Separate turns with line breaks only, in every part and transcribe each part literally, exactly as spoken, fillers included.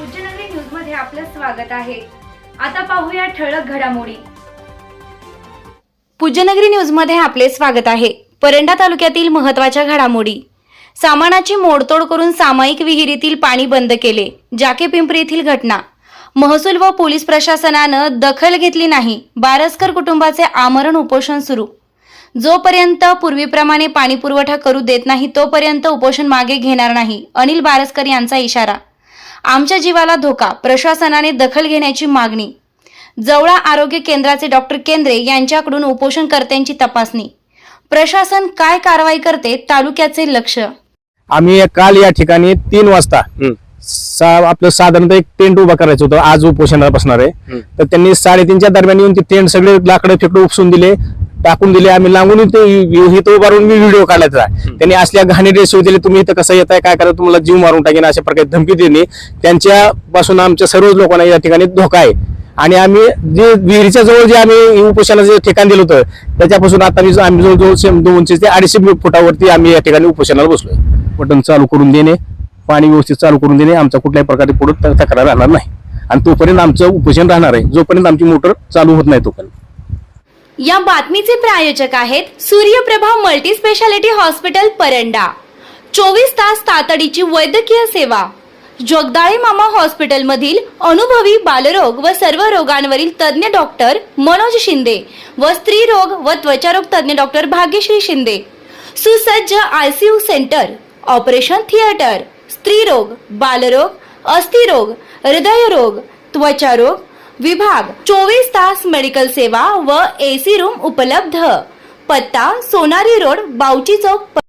Pujyanagari news मध्ये आपलं स्वागत आहे। आता पाहूया ठळक घडामोडी। पूज्यनगरी न्यूज मध्ये आपले स्वागत आहे। परंडा तालुक्यातील महत्त्वाच्या घडामोडी। सामानाची मोडतोड करून सामायिक विहिरीतील पाणी बंद केले। जाके पिंपरी येथील घटना। महसूल व पोलीस प्रशासनानं दखल घेतली नाही। बारसकर कुटुंबाचे आमरण उपोषण सुरू। जोपर्यंत पूर्वीप्रमाणे पाणी पुरवठा करू देत नाही तोपर्यंत उपोषण मागे घेणार नाही। अनिल बारसकर यांचा इशारा। आमच्या जीवाला धोका, प्रशासनाने दखल घेण्याची मागणी। जवळा आरोग्य केंद्राचे डॉक्टर केंद्रे यांच्याकडून उपोषणकर्त्यांची तपासणी। प्रशासन काय कारवाई करते, तालुक्याचे लक्ष।
आम्ही काल या ठिकाणी तीन वाजता आपलं साधारणतः एक टेंट उभा करायचं होतं। आज उपोषणाला बसणार आहे, तर त्यांनी साडेतीनच्या दरम्यान येऊन ते टेंट सगळे लाकडं फेकडं उपसून दिले, टाकून दिले। आम्ही लागून इथं उभारून मी व्हिडिओ काढायचा। त्यांनी असल्या घाणी ड्रेस दिले, तुम्ही इथं कसं येताय, काय करा, तुम्हाला जीव मारून टाकेन अशा प्रकारे धमकी दिली। त्यांच्यापासून आमच्या सर्वच लोकांना या ठिकाणी धोका आहे। आणि आम्ही जे विहिरीच्या जवळ जे आम्ही उपोषणाचं ठिकाण दिलं होतं त्याच्यापासून आता आम्ही जवळजवळ दोनशे ते अडीचशे फुटावरती आम्ही या ठिकाणी उपोषणाला बसलोय। बटन चालू करून देणे, पाणी व्यवस्थित चालू करून देणे, आमचा कुठल्याही प्रकारे पुढे तक्रार राहणार नाही आणि तोपर्यंत आमचं उपोषण राहणार आहे जोपर्यंत आमची मोटर चालू होत नाही तोपर्यंत।
या बातमीचे प्रायोजक आहेत Suryaprabha multi speciality hospital Paranda. चोवीस तास तातडीची वैद्यकीय सेवा। जगदाळे मामा हॉस्पिटल मधील अनुभवी बालरोग व सर्व रोगांवरील तज्ञ डॉक्टर मनोज शिंदे व स्त्री रोग व त्वचारोग तज्ञ डॉक्टर भाग्यश्री शिंदे। सुसज्ज आयसीयू सेंटर, ऑपरेशन थिएटर, स्त्रीरोग, बालरोग, अस्थिरोग, हृदयरोग, त्वचारोग विभाग, चोवीस तास मेडिकल सेवा व एसी रूम उपलब्ध। पत्ता सोनारी रोड, बावची चौक।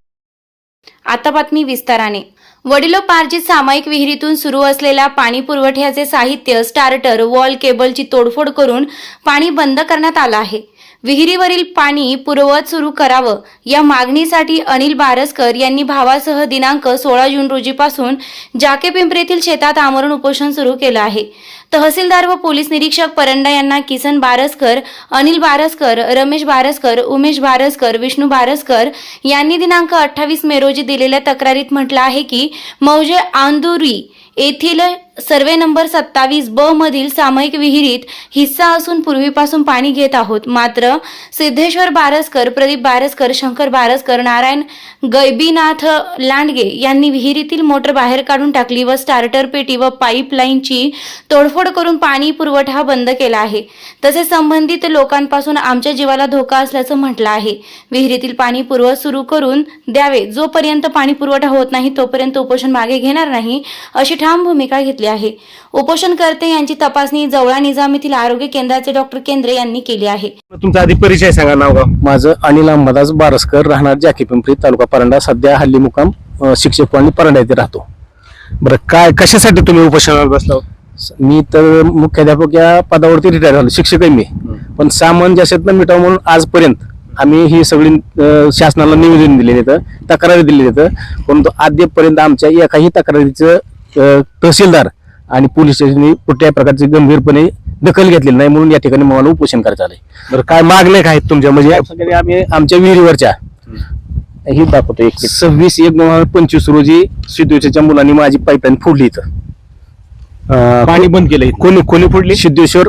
आता बातमी विस्ताराने। वडिलोपार्जित सामायिक विहिरीतून सुरू असलेल्या पाणी पुरवठ्याचे साहित्य, स्टार्टर, वॉल केबलची तोडफोड करून पाणी बंद करण्यात आलं आहे। विहिरीवरील पाणी पुरवत सुरू करावं या मागणीसाठी अनिल बारसकर यांनी भावासह दिनांक सोळा जून रोजीपासून जाके पिंपरी येथील शेतात आमरण उपोषण सुरू केलं आहे। तहसीलदार व पोलीस निरीक्षक परंडा यांना किसन बारसकर, अनिल बारसकर, रमेश बारसकर, उमेश बारसकर, विष्णू बारसकर यांनी दिनांक अठ्ठावीस मे रोजी दिलेल्या तक्रारीत म्हटलं आहे की मौजे आंदुरी येथील सर्वे नंबर सत्तावीस ब मधील सामायिक विहिरीत हिस्सा असून पूर्वीपासून पाणी घेत आहोत। मात्र सिद्धेश्वर बारसकर, प्रदीप बारसकर, शंकर बारसकर, नारायण गैबीनाथ लांडगे यांनी विहिरीतील मोटर बाहेर काढून टाकली व स्टार्टर पेटी व पाईपलाईनची तोडफोड करून पाणी पुरवठा बंद केला आहे। तसेच संबंधित लोकांपासून आमच्या जीवाला धोका असल्याचं म्हटलं आहे। विहिरीतील पाणी पुरवठा सुरू करून द्यावे। जोपर्यंत पाणी पुरवठा होत नाही तोपर्यंत उपोषण मागे घेणार नाही अशी ठाम भूमिका घेतली आहे। उपोषणकर्ते यांची तपासणी जवळा निजाम येथील आरोग्य केंद्राचे डॉक्टर केंद्रे यांनी केली आहे।
तुमचा आधी परिचय सांगा, नाव गाव। माझं अनिल अंबादास बारसकर, राहणार जाके पिंपरी, तालुका परंडा। सध्या हल्ली मुकाम शिक्षक कॉलनी परंडा येथे राहतो। बरं, काय कशासाठी तुम्ही उपोषणाला बसला? मी तर मुख्याध्यापक या पदावरती रिटायर झालो, शिक्षक आहे मी, पण सामंजस्यातनं मिटावं म्हणून आजपर्यंत आम्ही ही सगळी शासनाला निवेदन दिलेले तर तक्रारी दिलेली तर, परंतु अद्यापपर्यंत आमच्या एकाही तक्रारीचं तहसीलदार आणि पोलीस स्टेशनने कुठल्याही प्रकारची गंभीरपणे दखल घेतलेली नाही, म्हणून या ठिकाणी मला उपोषण करायचं आलंय। बरं, काय मागण्या काय आहेत तुमच्या? म्हणजे आम्ही आमच्या विहिरीवरच्या ही दाखवतो, एक सव्वीस एक दोन हजार पंचवीस रोजी सिद्धेश्वरच्या मुलांनी माझी पाईपलाईन फोडली, इथं पाणी बंद केलंय। कोणी कोणी फोडली? सिद्धेश्वर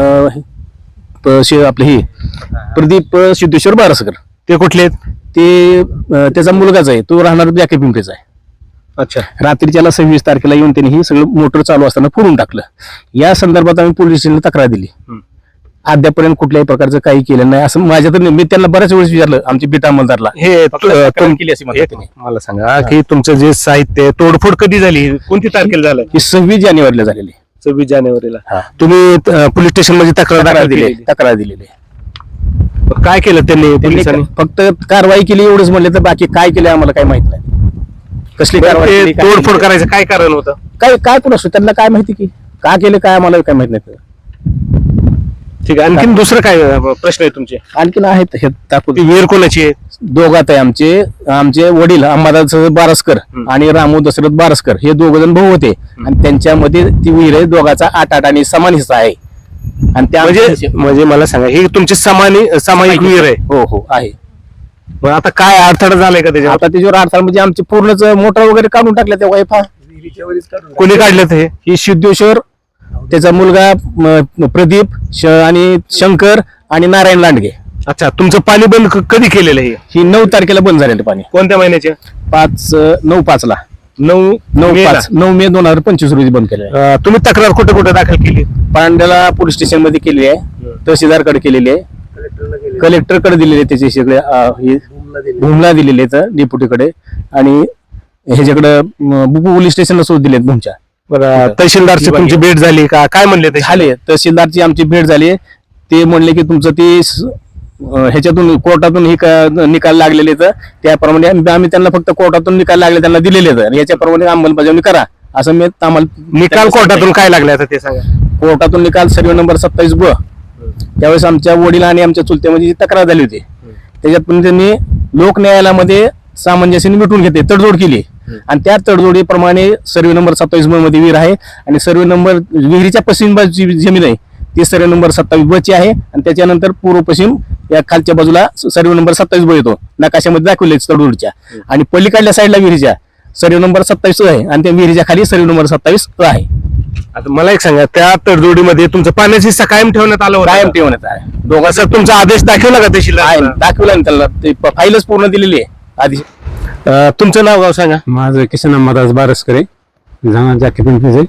आपले हे प्रदीप सिद्धेश्वर बारसकर। ते कुठले आहेत? ते त्याचा मुलगाच आहे, तो राहणार जाके पिंपरीचा आहे। अच्छा, रात्री त्याला सव्वीस तारखेला येऊन त्यांनी ही सगळं मोटर चालू असताना फोडून टाकलं। या संदर्भात आम्ही पोलीस स्टेशनला तक्रार दिली, अद्यापर्यंत कुठल्याही प्रकारचं काही केलं नाही असं माझ्या तर मी त्यांना बऱ्याच वेळेस विचारलं, आमच्या बीट अंमलदारला हे केली अशी मला सांगा की तुमचं जे साहित्य तोडफोड कधी झाली, कोणती तारखेला झालं? ही सव्वीस जानेवारीला झालेली। सव्वीस जानेवारीला तुम्ही पोलीस स्टेशन मध्ये तक्रार दिली तक्रार दिलेली काय केलं त्यांनी? पोलिसांनी फक्त कारवाई केली एवढंच म्हणले, तर बाकी काय केलं आम्हाला काही माहित नाही। कसली कारवाई, तोडफोड करायचं काय कारण होतं? काय काय पुन्हा त्यांना काय माहिती की का केलं, काय आम्हाला काय माहित नाही। ठीक आहे, आणखीन दुसरं काय प्रश्न आहे तुमचे? आणखीन आहेत, हे दाखवतो। विहीर कोणाची आहे? दोघात आहे, आमचे आमचे वडील अंबादास बारसकर आणि रामू दशरथ बारसकर हे दोघ जण भाऊ होते आणि त्यांच्यामध्ये ती विहीर आहे, दोघाचा आठ आठ आणि समान हिस्सा आहे। आणि त्या म्हणजे म्हणजे मला सांगा, ही तुमची समानी सामायिक विहीर आहे? हो हो आहे। मग आता काय अडथळा झालाय का त्याच्यावर? आता त्याच्यावर अडथळा म्हणजे आमचे पूर्णच मोटर वगैरे काढून टाकल्या त्या वायफा
कोणी काढलं हे?
ही सिद्धेश्वर, त्याचा मुलगा म, प्रदीप श, आणि शंकर आणि नारायण लांडगे.
अच्छा, तुमचं पाणी बंद क- कधी केलेलं आहे?
ही नऊ तारखेला बंद झालेलं पाणी.
कोणत्या महिन्याचे?
पाच अ, नऊ पाच ला
नऊ
नऊ
मेला.
पाच नऊ मे दोन हजार पंचवीस रोजी बंद केलं आहे.
अं, तुम्ही तक्रार कुठे कुठे दाखल केली?
पांड्याला पोलीस स्टेशन मध्ये केली आहे, तहसीलदारकडे केलेली आहे, कलेक्टरकडे दिलेले आहे, त्याचे सगळे अ, हे भूमला दिलेले आहेत डेप्युटीकडे, आणि ह्याच्याकडे पोलीस स्टेशनला सुद्धा दिलेत भूमच्या.
बरं, तहसीलदारची तुमची भेट झाली का? काय म्हणले ते?
झाले, तहसीलदारची आमची भेट झाली. ते म्हणले की तुमचं ते स- अं, ह्याच्यातून कोर्टातून ही का- निकाल लागलेले आहेत, त्याप्रमाणे आम्ही आम्ही त्यांना फक्त कोर्टातून निकाल लागले त्यांना दिलेले आहेत, आणि याच्याप्रमाणे अंमलबजावणी करा असं मी आम्हाला
निकाल कोर्टातून काय लागले आता ते सांगा.
कोर्टातून निकाल सर्वे नंबर सत्तावीस ब त्यावेळेस आमच्या वडील आणि आमच्या चुलत्यामध्ये जी तक्रार झाली होती, त्याच्यात पण त्यांनी लोक न्यायालयामध्ये सामंजस्याने मिटून घेते तडजोड केली, आणि त्या तडजोडीप्रमाणे सर्वे नंबर सत्तावीस ब मध्ये विहीर आहे, आणि सर्वे नंबर विहिरीच्या पश्चिम बाजूची जमीन आहे ती सर्वे नंबर सत्तावीस ब ची आहे, आणि त्याच्यानंतर पूर्व पश्चिम या खालच्या बाजूला सर्वे नंबर सत्तावीस ब येतो, नकाशामध्ये दाखवले तडजोडीच्या, आणि पलीकडल्या साईडला विहिरीच्या सर्वे नंबर सत्तावीस आहे, आणि त्या विहिरीच्या खाली सर्वे नंबर सत्तावीस आहे.
आता मला एक सांगा, त्या तडजोडीमध्ये तुमचं पाण्याची हिस्सा कायम ठेवण्यात आलं होतं?
कायम ठेवण्यात आहे.
दोघांचा तुमचा आदेश दाखवला का
आहे,
तहसीलदार?
दाखवला ना त्याला, ते प- फाईलच पूर्ण दिलेली आहे आधी.
अं, तुमचं नाव गाव सांगा.
माझं किसन अंबादास बारसकरे, जाणार जाकी पिंपरीचे.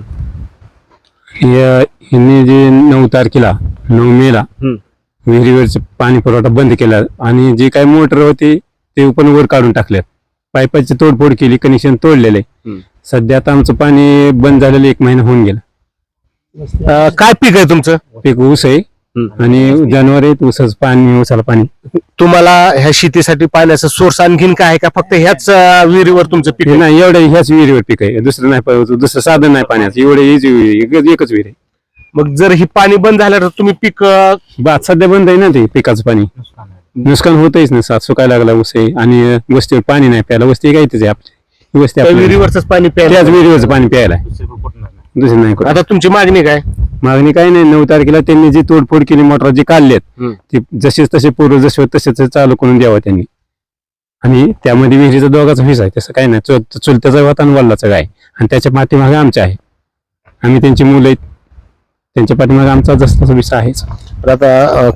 यांनी जे नऊ तारखेला नऊ मेला विहिरीवरचं पाणी पुरवठा बंद केला, आणि जे काही मोटर होते ते पण वर काढून टाकल्यात, पाईपाची तोडफोड केली, कनेक्शन तोडलेले. सध्या आता आमचं पाणी बंद झालेलं एक महिना होऊन गेला.
अं, काय पीक आहे तुमचं?
पीक ऊस आहे, आणि जनावर आहेत, ऊसाचं पाणी, ऊसाला पाणी.
तुम्हाला ह्या शेतीसाठी पाण्याचा सोर्स आणखीन काय आहे का? फक्त ह्याच अं, विहिरीवर तुमचं पीक
हे
आहे?
नाही, एवढं ह्याच विहिरीवर पीक आहे, दुसरं नाही, प- दुसरं साधन नाही पाण्याचं, एवढं हीच विहीर, एकच एकच विहीर आहे.
मग जर ही पाणी बंद झालं तर तुम्ही पीक अं,
बात सध्या बंद आहे ना, ते पिकाचं पाणी नुकसान होतच ना, सात सुकायला लागला ऊस आहे, आणि वस्तीवर पाणी नाही प्यायला, वस्ती काय आहे आपली ही वस्ती
त्या
आपली.
विहिरीवरच पाणी प्यायला?
त्याच विहिरीवरचं पाणी प्यायला आहे. दुसरं नाही कुठं.
आता तुमची मागणी काय?
मागणी काही नाही, नऊ तारखेला त्यांनी जी तोडफोड केली, मोटर जी काढलेत ती जसेच तसे पूर्व जसे होते तसेच चालू करून द्यावं त्यांनी, आणि त्यामध्ये विहिरीचा दोघाचा हिस्सा आहे, तसं काही नाही, चुल- चुलत्याचा होता आणि वडिलाचा काय, आणि त्याच्या पाठीमागे आमच्या आहे, आम्ही त्यांची मुलं आहेत, त्यांच्या पाठीमागे आमचा जसा तसा विषय आहेच.
तर आता अं,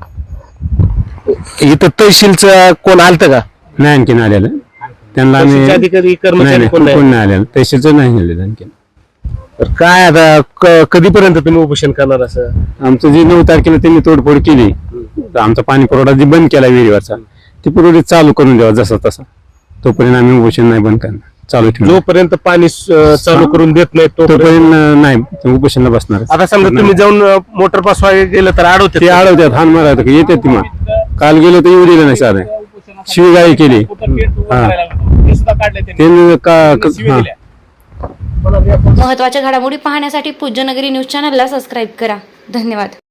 इथं तहसीलचं कोण आलतं का?
नाही आणखीन आलेलं, त्यांना आम्ही
तहसीलचे अधिकारी
नाही
कर्मचारी
नाही,
कोण
कोण
नाही?
नाही आलेलं, तहसीलचं नाही आलेलं आणखीन.
तर काय आता क- कधीपर्यंत तुम्ही उपोषण करणार असं?
आमचं जे नऊ तारखेला त्यांनी तोडफोड केली, तर आमचा पाणी पुरवठा जे बंद केला विहिरीवरचा, ते पुरवठा चालू करून द्यावा जसा तसा, तोपर्यंत आम्ही उपोषण नाही बंद करणार, चालू ठेवणार.
जोपर्यंत पाणी अं, चालू करून देत नाही तोपर्यंत.
तोपर्यंत नाही, ते उपोषणाला बसणार.
आता समजा तुम्ही जाऊन अं, मोटर पासवाय गेलं तर अडवते
ते अडवतात, हान मारायचं येतात ती, मग काल गेलो तर येऊ दिलं नाही साधं, शिवीगाळी केली. हा त्यांनी का क- हा.
महत्त्वाच्या घडामोडी पाहण्यासाठी पूज्यनगरी न्यूज चॅनलला सबस्क्राईब करा. धन्यवाद.